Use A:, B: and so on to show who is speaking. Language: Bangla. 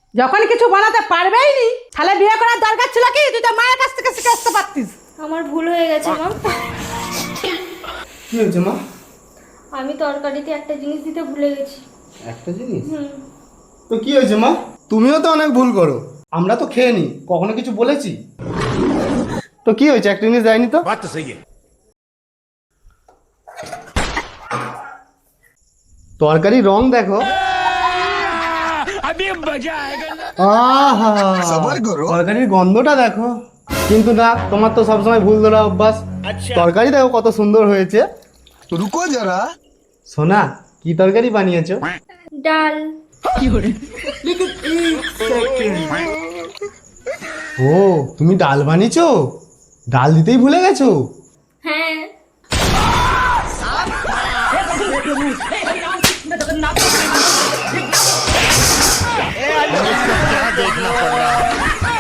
A: যখন কিছু বানাতে পারবেই নি তাহলে বিয়ে করার দরকার ছিল কি? তুই তো মায়ের কাছ থেকে শিখে আসতে পারতিস।
B: আমার ভুল হয়ে গেছে মা।
C: কি হয়েছে মা?
B: আমি তরকারিতে একটা জিনিস দিতে ভুলে গেছি।
C: একটা জিনিস? তো কি হয়েছে মা? তুমিও তো অনেক ভুল করো, আমরা তো খেয়ে নি, কখনো কিছু বলেছি? তো কি হয়েছে, একটা জিনিস দেয়নি তো?
D: बात तो सही है।
C: তরকারি রং দেখো।
D: अभी मजा आएगा ना।
C: আহা, তরকারির গন্ধটা দেখো। কিন্তু না, তোমার তো সবসময় ভুল ধরা অভ্যাস। তরকারি দেখো কত সুন্দর হয়েছে।
E: रुको जरा।
C: সোনা, কি তরকারি বানিয়েছো?
B: ডাল।
C: ও, তুমি ডাল বানিয়েছো? ডাল দিতেই ভুলে গেছো?
B: হ্যাঁ।